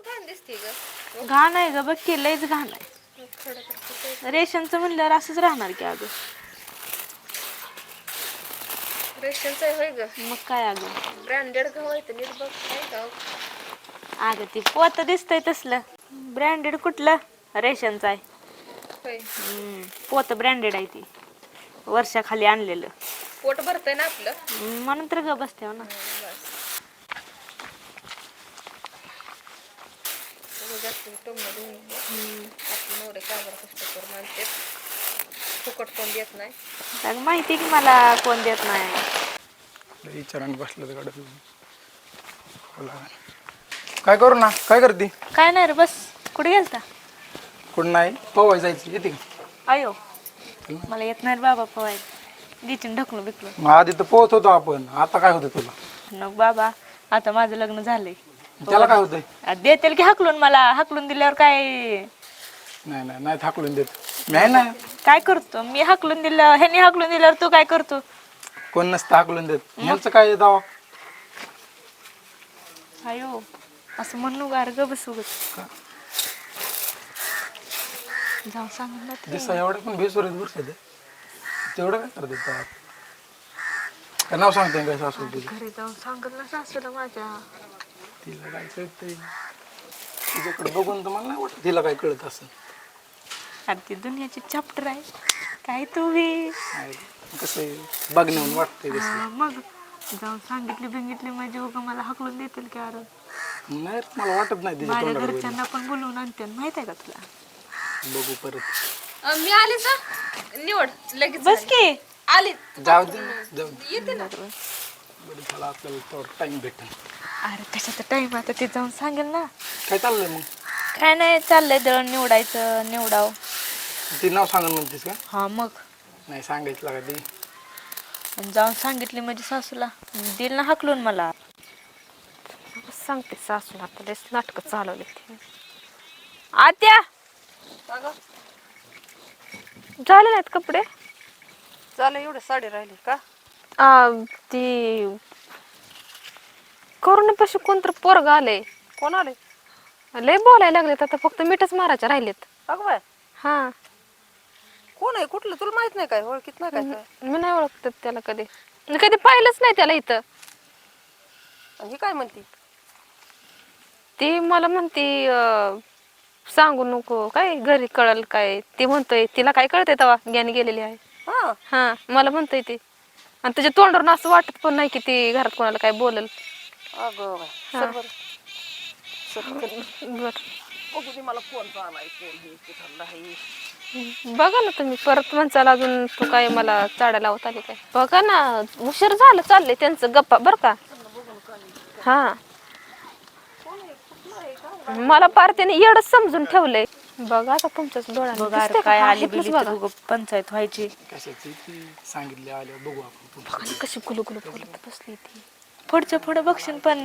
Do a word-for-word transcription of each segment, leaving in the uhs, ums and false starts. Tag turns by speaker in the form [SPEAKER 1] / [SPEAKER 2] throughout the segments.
[SPEAKER 1] घाण दिसते ग.
[SPEAKER 2] घाण आहे ग, बघ की लयच घाण आहे. रेशनचं म्हणल्यावर असंच राहणार की अगं.
[SPEAKER 1] रेशनचं आहे होय ग.
[SPEAKER 2] मग काय अगं,
[SPEAKER 1] ब्रँडेड गहू आहे तर नीट बघ काय गाव.
[SPEAKER 2] अगं ती पोत दिसतंय तसलं. ब्रँडेड कुठलं, रेशनचं आहे.
[SPEAKER 1] होय.
[SPEAKER 2] हम्म, पोत ब्रँडेड आहे ती, वर्षाखाली आणलेलं.
[SPEAKER 1] पोट भरतंय ना आपलं.
[SPEAKER 2] म्हणून तर ग बसते ना.
[SPEAKER 1] जास्त टोमणं देऊन आपले नवरे कामाला कष्ट करून आणते, फुकट कोण देत नाही.
[SPEAKER 2] अगं माहिती की मला कोण देत नाही.
[SPEAKER 3] विचाराने बसलं तर काय करू ना, काय करते?
[SPEAKER 2] काय नाही रे, बस. कुठे गेलता?
[SPEAKER 3] कुठं नाही, पोवाय जायचं येते का?
[SPEAKER 2] अयो, मला येत नाही रे बाबा पवाय. दिचीन ढकलून बिकलून.
[SPEAKER 3] मग आधी तर पोहत होतो आपण, आता काय होतं तुला?
[SPEAKER 2] नको बाबा, आता माझं लग्न झालंय.
[SPEAKER 3] त्याला काय होतंय?
[SPEAKER 2] देतील की हाकलून, मला हाकलून दिल्यावर काय?
[SPEAKER 3] नाही नाही नाही हाकलून देत मी आहे ना.
[SPEAKER 2] काय करतो मी हाकलून दिलं, ह्यानी हाकलून दिल्यावर तू काय करतो?
[SPEAKER 3] कोण नसतं हाकलून देत. ह्यांचं काय दावा?
[SPEAKER 2] अयो, असं म्हणू गार ग बसू ग. जाऊ सांग ना ते.
[SPEAKER 3] दिसा एवढं पण बेसुरीत बसत तेवढं काय करत काय नाव सांगते काय सासू तुझं?
[SPEAKER 2] घरी जाऊन सांगत ना सासूला माझ्या.
[SPEAKER 3] तिला काय कळतंय? तिच्याकडे बघून तर मला नाही वाटत तिला काय कळत असं.
[SPEAKER 2] अरे ती दुनियाची चॅप्टर आहे काय तू बी.
[SPEAKER 3] कसं आहे बघण्याहून वाटतंय कसं.
[SPEAKER 2] हा, मग जाऊन सांगितली बिंगितली म्हणजे उगा मला हाकलून देतील की. अरे
[SPEAKER 3] नाही मला वाटत नाही तिच्या
[SPEAKER 2] माझ्या
[SPEAKER 3] तोंडाकडे
[SPEAKER 2] घरच्यांना पण बोलवून आणते, माहित आहे का तुला?
[SPEAKER 3] बघू परत.
[SPEAKER 1] मी आले का निवड लगेच
[SPEAKER 2] बस की
[SPEAKER 1] आली.
[SPEAKER 3] जाऊ दे जाऊ दे.
[SPEAKER 1] येते ना.
[SPEAKER 3] बरं झालं आपल्याला थोडं टाइम भेटेल.
[SPEAKER 2] अरे कशाचा टाइम, आता ते जाऊन सांगेल ना.
[SPEAKER 3] काय चाललंय मग?
[SPEAKER 2] काय नाही, चाललंय दळण निवडायचं, निवडाव.
[SPEAKER 3] ती नाव सांगून म्हणतेस का?
[SPEAKER 2] हा मग
[SPEAKER 3] नाही सांगायचं का ती?
[SPEAKER 2] आणि जाऊन सांगितली म्हणजे सासूला दिल ना हाकलून मला. सांगते सासूला, आता लयच नाटकं चालवले. आत्या झाले नाहीत कपडे?
[SPEAKER 1] चालेल, एवढे साडी राहिली का?
[SPEAKER 2] आ, ती करुणापाशी कोणतर पोरग आले.
[SPEAKER 1] कोण आले?
[SPEAKER 2] लय बोलायला लागलेत, आता फक्त मिठच मारायचे राहिलेत.
[SPEAKER 1] अगं बाय,
[SPEAKER 2] हा,
[SPEAKER 1] कोण आहे? कुठलं तुला माहित नाही काय? ओळखीत नाही काय? काय
[SPEAKER 2] मी नाही ओळखत त्याला कधी, मी कधी पाहिलंच नाही त्याला इथं.
[SPEAKER 1] ही काय म्हणती?
[SPEAKER 2] ती मला म्हणती अं, सांगू नको काय, घरी कळल काय. ती म्हणतोय तिला काय कळतंय तेव्हा, ज्ञान गेलेली आहे.
[SPEAKER 1] हा
[SPEAKER 2] हा, मला म्हणतोय ती. आणि त्याच्या तोंडावरून असं वाटत पण नाही की ती घरात कोणाला काय बोलल.
[SPEAKER 1] अगं बाय,
[SPEAKER 2] हा.
[SPEAKER 1] सर बरं. सर
[SPEAKER 2] बर,
[SPEAKER 1] बघू दे मला कोण आलाय, कोण हे कुठला आहे.
[SPEAKER 2] बघा ना तुम्ही परत म्हणसाल अजून तू काय मला चाड्या लावत आली काय. बघा ना, उशीर झालं चाललंय त्यांचं गप्पा बर का. हा, मला पार त्याने एवढंच समजून ठेवलंय. बघा आता तुमच्याच डोळ्यात काय आली पंचायत व्हायची.
[SPEAKER 3] कशाची ती सांगितली आल्या बघू आपण.
[SPEAKER 2] बघा कशी गुलू गुलू बोलत बसली ती. पुढच्या पुढे बघशील पण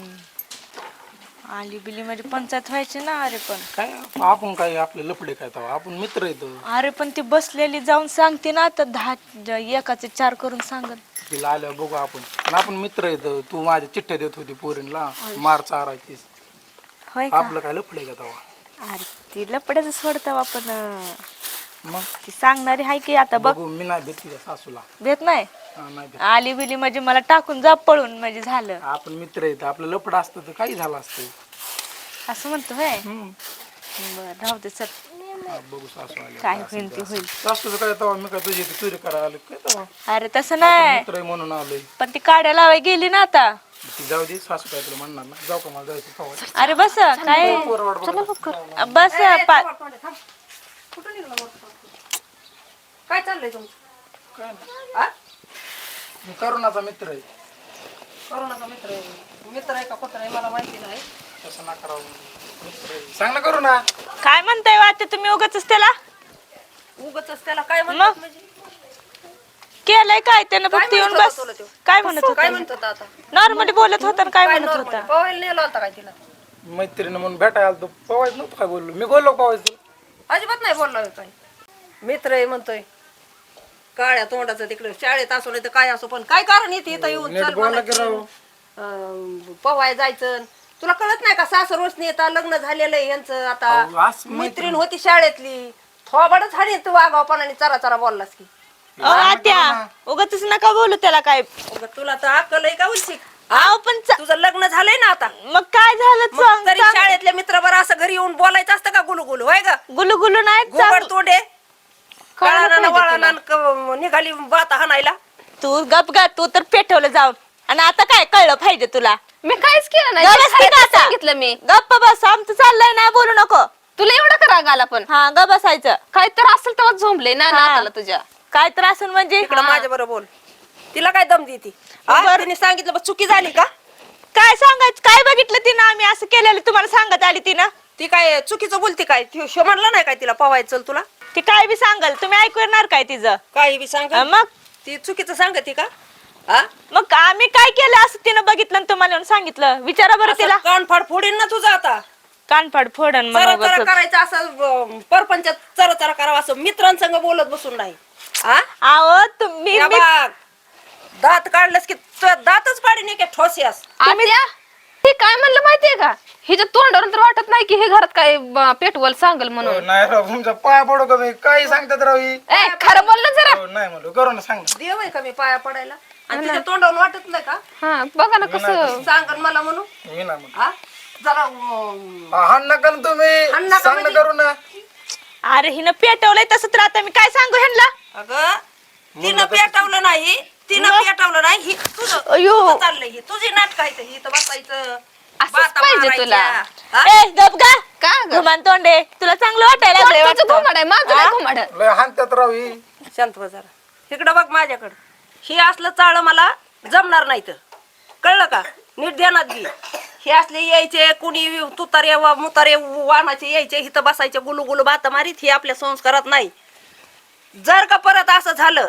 [SPEAKER 2] आली बिली म्हणजे पंचायत व्हायची ना. अरे पण
[SPEAKER 3] काय आपण काय आपले लफडे काय तेव्हा आपण मित्र येतो.
[SPEAKER 2] अरे पण ती बसलेली जाऊन सांगते ना, तर दहा एकाचे चार करून सांगत.
[SPEAKER 3] तिला आल्या बघू आपण. पण आपण मित्र येतो. तू माझ्या चिठ्ठ्या देत होती पोरींला, मार चारायचीस.
[SPEAKER 2] होय का?
[SPEAKER 3] आपलं काय लफडे का तेव्हा?
[SPEAKER 2] अरे ती लपड्याच सोडता आपण.
[SPEAKER 3] मग
[SPEAKER 2] ती सांगणारी हाय की. आता बघ,
[SPEAKER 3] बघू मी नाही भेट तिच्या सासूला.
[SPEAKER 2] भेट नाही.
[SPEAKER 3] हा, नाही भेट.
[SPEAKER 2] आली बिली म्हणजे मला टाकून जा पळून म्हणजे झालं.
[SPEAKER 3] आपण मित्र येतो. आपलं लफड असतं तर काही झालं असतं.
[SPEAKER 2] असं म्हणतो होय.
[SPEAKER 3] हम्म.
[SPEAKER 2] बरं राहू दे चल.
[SPEAKER 3] हा, बघू सासू आली.
[SPEAKER 2] काय होईल ते होईल.
[SPEAKER 3] सासूचं काय तेव्हा मी काय तुझी चोरी करायला आलो काय तेव्हा?
[SPEAKER 2] अरे तसं नाही,
[SPEAKER 3] मित्र आहे म्हणून आलोय.
[SPEAKER 2] पण ती काड्या लावाय गेली ना आता.
[SPEAKER 3] ती जाऊ दे, सासू काय तुला म्हणणार ना. जाऊ का मला जायचं तेव्हा?
[SPEAKER 2] अरे बस काय बस पा-
[SPEAKER 1] कुठं निघाला मोठा? काय चाललंय तुमचं?
[SPEAKER 3] काय नाही.
[SPEAKER 1] आ?
[SPEAKER 3] मी करुणाचा मित्र आहे.
[SPEAKER 1] करोनाचा मित्र आहे. मित्र आहे का कुत्र आहे मला माहिती नाही.
[SPEAKER 3] तसं ना करावं. मित्र आहे. सांग ना करू ना.
[SPEAKER 2] काय म्हणताय वाटते तुम्ही उगाच त्याला
[SPEAKER 1] उगाच त्याला काय म्हणतात म्हणजे?
[SPEAKER 2] केलंय काय त्यानं
[SPEAKER 1] काय
[SPEAKER 2] फक्त येऊन
[SPEAKER 1] म्हणत
[SPEAKER 2] बस.
[SPEAKER 1] होता तुला त्यो?
[SPEAKER 2] काय म्हणत
[SPEAKER 1] काय
[SPEAKER 2] होता?
[SPEAKER 1] म्हणत होता आता?
[SPEAKER 2] नॉर्मली बोलत होता आणि काय
[SPEAKER 1] काय
[SPEAKER 2] म्हणत
[SPEAKER 1] normal?
[SPEAKER 2] होता?
[SPEAKER 1] पवायला नेला होता काय तिला?
[SPEAKER 3] मैत्रीण म्हणून भेटायला आलतो. पवायचं नव्हतं काय बोललो. मी बोललो पवायचं.
[SPEAKER 1] अजिबात नाही बोलला काय. मित्र आहे म्हणतोय. काळ्या तोंडाचं तिकडे शाळेत असो नाही तर काय असो, पण काय कारण येते इथं येऊन
[SPEAKER 3] नीट
[SPEAKER 1] चल
[SPEAKER 3] बोला की
[SPEAKER 1] म्हणायचं.
[SPEAKER 3] राव.
[SPEAKER 1] अं, पवाय जायचं तुला कळत नाही का सासर रोशनी येतात लग्न झालेलं आहे यांचं
[SPEAKER 3] अहो,
[SPEAKER 1] आता
[SPEAKER 3] असं मैत्रीण-
[SPEAKER 1] मैत्रीण होती शाळेतली थोबाडच हाणी तू वागावपणाने चरा चरा बोललास की
[SPEAKER 2] अहो, आत्या उगाच नका बोलू त्याला काय
[SPEAKER 1] अगं, तुला तर अक्कल आहे का उलशी
[SPEAKER 2] अहो पण चा-
[SPEAKER 1] तुझं लग्न झालंय ना आता
[SPEAKER 2] मग काय झालं
[SPEAKER 1] मग
[SPEAKER 2] सांग-
[SPEAKER 1] तरी
[SPEAKER 2] सांग.
[SPEAKER 1] शाळेतल्या मित्राबर असं घरी येऊन बोलायचं असतं का गुलू गुलू होय ग
[SPEAKER 2] गुलू गुलू नाही
[SPEAKER 1] गोबड
[SPEAKER 2] चांग-
[SPEAKER 1] तोंडे
[SPEAKER 4] कळालं
[SPEAKER 1] कळाना
[SPEAKER 4] पाहिजे
[SPEAKER 1] वळाना क- निघाली बाता हाणायला
[SPEAKER 2] तू गप गा तू तर पेटवलं जाऊन आणि आता काय कळलं पाहिजे तुला
[SPEAKER 4] मी काहीच केलं नाही
[SPEAKER 2] गप
[SPEAKER 4] जे
[SPEAKER 2] बस
[SPEAKER 4] आहे
[SPEAKER 2] की
[SPEAKER 4] ते
[SPEAKER 2] आता.
[SPEAKER 4] सांगितलं मी
[SPEAKER 2] गप्प बस आमचं चाललंय नाही बोलू नको
[SPEAKER 4] तुला एवढा का राग आला पण
[SPEAKER 2] हा ग बसायचं
[SPEAKER 4] काय तर असेल तेव्हा झोंबले ना
[SPEAKER 2] हा.
[SPEAKER 4] नाताला तुझ्या
[SPEAKER 2] काय तर असून म्हणजे
[SPEAKER 1] इकडं माझ्या बरोबर बोल तिला काय दम देती हा?
[SPEAKER 2] बरं.
[SPEAKER 1] तिने सांगितलं बघ चुकी झाली का
[SPEAKER 2] काय सांगायचं काय बघितलं तिनं आम्ही असं केलेलं तुम्हाला सांगत आली तिनं
[SPEAKER 1] ती काय चुकीचं बोलती काय ती शो म्हणला नाही काय तिला पवायचं चल तुला
[SPEAKER 2] ती काय बी सांगल तुम्ही ऐकू येणार काय तिचं
[SPEAKER 1] काही बी सांग
[SPEAKER 2] अं, मग
[SPEAKER 1] ती चुकीचं सांगते का हा
[SPEAKER 2] मग आम्ही काय केलं असं तिनं बघितलं आणि तुम्हाला येऊन सांगितलं विचारा बरं तिला
[SPEAKER 1] असं कान फाड फोडीन ना तुझा आता
[SPEAKER 2] कानफाड फोडन
[SPEAKER 1] चरा
[SPEAKER 2] मग
[SPEAKER 1] चरा करायचं असं परपंच चरा चरा करावं असं मित्रांसंग बोलत बसून नाही हा
[SPEAKER 2] आहो तुम्ही
[SPEAKER 1] या
[SPEAKER 2] मी-
[SPEAKER 1] बघ, दात काढलंस की तुझ्या दातच पाडीन की ठोसियास
[SPEAKER 4] आत्या हे काय म्हणलं माहितीये का हिच्या तोंडावरून तर वाटत नाही की हे घरात काय ब- पेटवल सांगल म्हणून
[SPEAKER 3] नाही राव तुमच्या पाया पडू का मी काही सांगतात राव ही
[SPEAKER 4] ए खरं बोल ना जरा
[SPEAKER 3] हो, नाही म्हणलो करू ना सांग ना.
[SPEAKER 1] देव आहे का मी पाया पडायला आणि तिच्या तोंडावरून वाटत नाही का
[SPEAKER 4] हा बघा ना कसं
[SPEAKER 1] सांग मला म्हणू
[SPEAKER 3] मी नाही म्हणलो
[SPEAKER 1] हा जरा अं,
[SPEAKER 3] हा, हाण नका ना
[SPEAKER 1] हाण
[SPEAKER 3] तुम्ही
[SPEAKER 1] नका
[SPEAKER 3] सांग ना
[SPEAKER 1] म्हणजे?
[SPEAKER 3] करू ना
[SPEAKER 2] अरे हिनं पेटवलंय तसं तर आता मी काय सांगू ह्यांना
[SPEAKER 1] अगं तिनं पेटवलं नाही तिनं पेटवलं नाही ही तुझं
[SPEAKER 2] अयो.
[SPEAKER 1] तुझं चाललंय ही तुझी नाटक आहे ही तर बसायचं
[SPEAKER 4] असंच
[SPEAKER 1] बाता
[SPEAKER 4] पाहिजे
[SPEAKER 1] मारायच्या.
[SPEAKER 4] तुला.
[SPEAKER 1] हा?
[SPEAKER 2] ए गप गा
[SPEAKER 4] का ग
[SPEAKER 2] घुमान तोंडे तुला चांगलं वाटायला लागलंय
[SPEAKER 4] तुझं
[SPEAKER 2] वाटतं.
[SPEAKER 4] घुमाड आहे माझं नाही घुमाड
[SPEAKER 3] लय हाणतात राव ही
[SPEAKER 1] शांत बस जरा इकडं बघ माझ्याकडं हे असलं चाळ मला जमणार नाही तर कळलं का नीट ध्यानात घे हे असले यायचे कुणी तुतारे वा- मुतारे वाहनाचे यायचे इथं बसायचे गुलू गुलू बात मारीत हे आपल्या संस्कारात नाही जर का परत असं झालं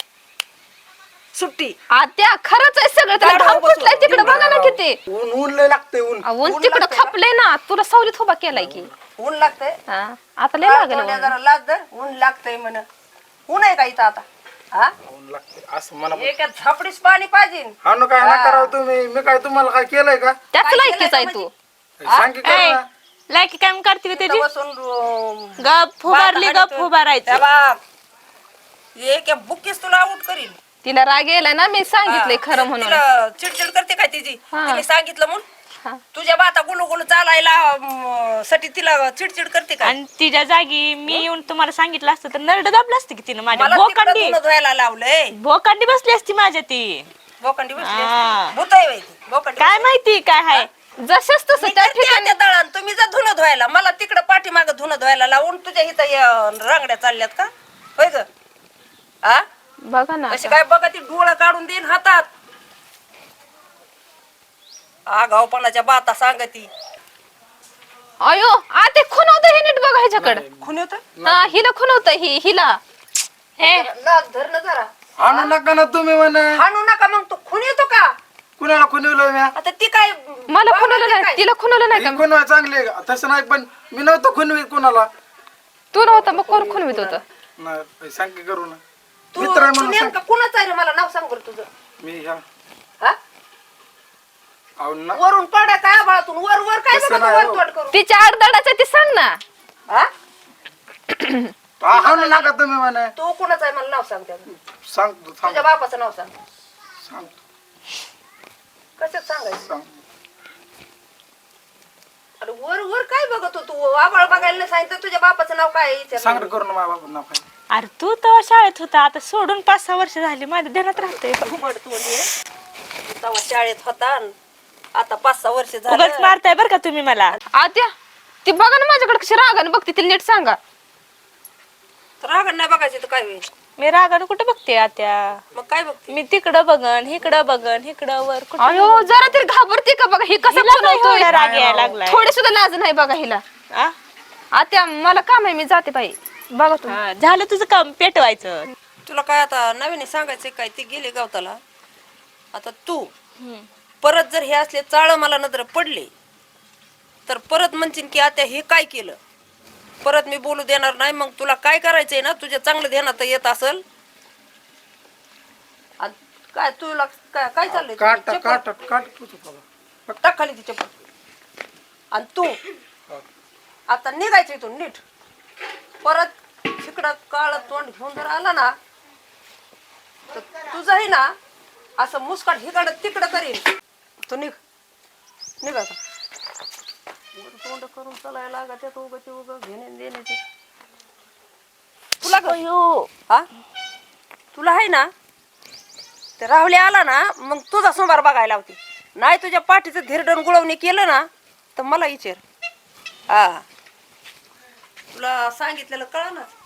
[SPEAKER 1] सुट्टी
[SPEAKER 4] आत्या खरंच आहे सगळं त्याला
[SPEAKER 1] काय
[SPEAKER 4] घाम
[SPEAKER 1] बघू
[SPEAKER 4] फुटलाय तिकडे बघा ना किती
[SPEAKER 3] ऊन ऊन लय लागते ऊन
[SPEAKER 4] आ, ऊन
[SPEAKER 1] ऊन
[SPEAKER 4] तिकडं
[SPEAKER 1] लागतंय का?
[SPEAKER 4] खपलंय ना तुला सावलीत उभा केलाय की
[SPEAKER 1] ऊन लागतंय
[SPEAKER 4] हा आता लय लागेल
[SPEAKER 1] तोंड्या
[SPEAKER 4] ऊन.
[SPEAKER 1] जरा लाज धर, ऊन लागतंय म्हण ऊन आहे का इथं आता हा
[SPEAKER 3] ऊन लागते असं मला
[SPEAKER 1] एका झापडीस पाणी पाहिजे
[SPEAKER 3] हाणू काय नका राव तुम्ही मी काय तुम्हाला काय केलंय का
[SPEAKER 4] त्याच
[SPEAKER 1] काय
[SPEAKER 4] लायकीच
[SPEAKER 1] केलंय
[SPEAKER 4] आहे
[SPEAKER 1] का
[SPEAKER 4] तू
[SPEAKER 3] सांग की करू
[SPEAKER 2] ए,
[SPEAKER 3] ना
[SPEAKER 2] लायकी काय करते का त्याची
[SPEAKER 1] इथं बसून अं,
[SPEAKER 2] गप फुबारली
[SPEAKER 1] बाता
[SPEAKER 2] गप
[SPEAKER 1] हाणीतो.
[SPEAKER 2] फुबारायचं
[SPEAKER 1] त्या बाप एक बुकीस तुला आउट करील
[SPEAKER 4] तिला राग यायला ना मी सांगितलंय खरं म्हणून
[SPEAKER 1] तिला चिडचिड करते काय तिची
[SPEAKER 4] हा.
[SPEAKER 1] तिने सांगितलं म्हणून
[SPEAKER 4] हा.
[SPEAKER 1] तुझ्या बाता गुलू गुलू चालायला अं, साठी तिला चिडचिड करते काय
[SPEAKER 2] आणि तिच्या जागी मी येऊन तुम्हाला सांगितलं असतं तर नरड दाबलं असतं की तिनं माझ्या
[SPEAKER 1] मला तिकडं
[SPEAKER 2] भोकांडी
[SPEAKER 1] धुणं धुवायला लावलंय
[SPEAKER 2] भोकांडी बसली असती माझ्या ती
[SPEAKER 1] बोकंडी बसली
[SPEAKER 2] हा.
[SPEAKER 1] असती. भूत आहे बाई ती, बोकंडी
[SPEAKER 2] काय माहिती काय हाय
[SPEAKER 4] जसंच तसं
[SPEAKER 1] मी
[SPEAKER 4] त्या
[SPEAKER 1] करते
[SPEAKER 4] ठिकाणी
[SPEAKER 1] त्या दळण तुम्ही जा धुणं धुवायला मला तिकडं पाठीमाग धुणं धुवायला लावून तुझ्या इथं या रांगड्या चालल्यात का होय ग आ
[SPEAKER 4] बघा ना
[SPEAKER 1] अशी काय बघा ती डोळं काढून देईन हातात आगावपणाच्या बाता सांगती
[SPEAKER 4] अयो आ ते खुनवतं हे नीट बघा ह्याच्याकडे
[SPEAKER 1] खुन होत
[SPEAKER 4] हा हिला खुनवतं ही हिला
[SPEAKER 2] हे
[SPEAKER 1] लाज धर ना जरा
[SPEAKER 3] हाणू नका ना तुम्ही म्हणा
[SPEAKER 1] हाणू नका मग तू खून येतो का
[SPEAKER 3] कुणाला खुनवलं मी
[SPEAKER 1] आता ती काय
[SPEAKER 4] मला
[SPEAKER 1] बाबा
[SPEAKER 4] खुनवलं
[SPEAKER 1] ती
[SPEAKER 4] नाही
[SPEAKER 1] काय?
[SPEAKER 4] तिला खुनवलं नाही का
[SPEAKER 3] ही खुनवा चांगली आहे. तसं नाही पण मी नव्हतं खुनवी कुणाला
[SPEAKER 4] तू नव्हता मग कोण खुनवीत होतं
[SPEAKER 3] नाही सांग की करू ना
[SPEAKER 1] तू
[SPEAKER 3] मित्र आहे
[SPEAKER 1] तू
[SPEAKER 3] म्हणून सांग.
[SPEAKER 1] नेमकं कुणाचं आहे रे मला नाव सांग बरं तुझं
[SPEAKER 3] मी ह्या
[SPEAKER 1] हा?
[SPEAKER 3] अहो ना
[SPEAKER 1] वरून पडा काय आभाळातून वर वर काय
[SPEAKER 3] तसं
[SPEAKER 1] बघा तू
[SPEAKER 3] नाही
[SPEAKER 1] वर
[SPEAKER 3] हो.
[SPEAKER 1] तोड करू
[SPEAKER 4] तिच्या आडदाडाचं ते सांग ना
[SPEAKER 1] हा?
[SPEAKER 3] हा, हाणू नका तुम्ही म्हणा
[SPEAKER 1] तू कुणाचं आहे मला नाव सांग त्याचं
[SPEAKER 3] सांगतो सांग
[SPEAKER 1] तुझ्या बापाचं नाव सांग
[SPEAKER 3] सांगतो
[SPEAKER 1] कशात सांगायचं
[SPEAKER 3] सांग
[SPEAKER 1] अरे वर वर काय बघतो तू आभाळ बघायला नाही सांगितलं तुझ्या बापाचं नाव काय आहे विचार
[SPEAKER 3] सांग रे करू ना माझ्या बाबा नाव काय
[SPEAKER 2] अरे तू तर शाळेत होता आता सोडून पाच सहा वर्ष झाली माझ्या ध्यानात राहते
[SPEAKER 1] घुमड तू तेव्हा शाळेत होता अन आता पाच सहा वर्ष
[SPEAKER 2] उगाच
[SPEAKER 1] झालं
[SPEAKER 2] मारताय बर का तुम्ही मला
[SPEAKER 4] आत्या ती बघा ना माझ्याकडे कशी रागाने बघते तिला नीट सांगा
[SPEAKER 1] तर रागण नाही बघायची तर काय होईल
[SPEAKER 2] मी रागानं कुठं बघते आत्या
[SPEAKER 1] मग काय बघते
[SPEAKER 2] मी तिकडं बघन इकडं बघन इकडं वर कुठं
[SPEAKER 4] अयो जरा तरी घाबरते का बघा ही कसं
[SPEAKER 2] हिला काय
[SPEAKER 4] खुनवतोय
[SPEAKER 2] एवढा राग यायला लागलाय
[SPEAKER 4] थोडी सुद्धा लाज नाही बघा हिला
[SPEAKER 2] आ?
[SPEAKER 4] आत्या मला काम आहे मी जाते बाई बघा तुम्ही
[SPEAKER 2] हा, झालं तुझं काम पेटवायचं
[SPEAKER 1] तुला काय आता नवीन सांगायचं काय ती गेली गावताला आता तू
[SPEAKER 2] हम्म.
[SPEAKER 1] परत जर हे असले चाळ मला नजर पडले तर परत म्हणशील की आता हे काय केलं परत मी बोलू देणार नाही मग तुला काय करायचंय ना तुझ्या चांगलं ध्यानात येत असल आ, काय तुला काय काय चाललंय
[SPEAKER 3] काट
[SPEAKER 1] तुझं?
[SPEAKER 3] काट
[SPEAKER 1] चप्पल
[SPEAKER 3] काट तुझं बाबा
[SPEAKER 1] टाक खाली ती चप्पल आणि तू आता निघायचं इथून नीट. परत इकडं काळ तोंड घेऊन जर आला ना तर तुझंही ना असं मुस्काट हिकडं तिकडं करीन. तू निघ निघ आता. वर तोंड करून चालायला लागा त्यात उगं ते उगं घेणे देण्याचे. तुला ग- हा तुला आहे ना ते राहुले आला ना मग तुझा सोमवार बघायला होती. नाही तुझ्या पाठीचं धिरडण गुळवणी केलं ना तर मला विचार. हा तुला सांगितलेलं कळलं ना.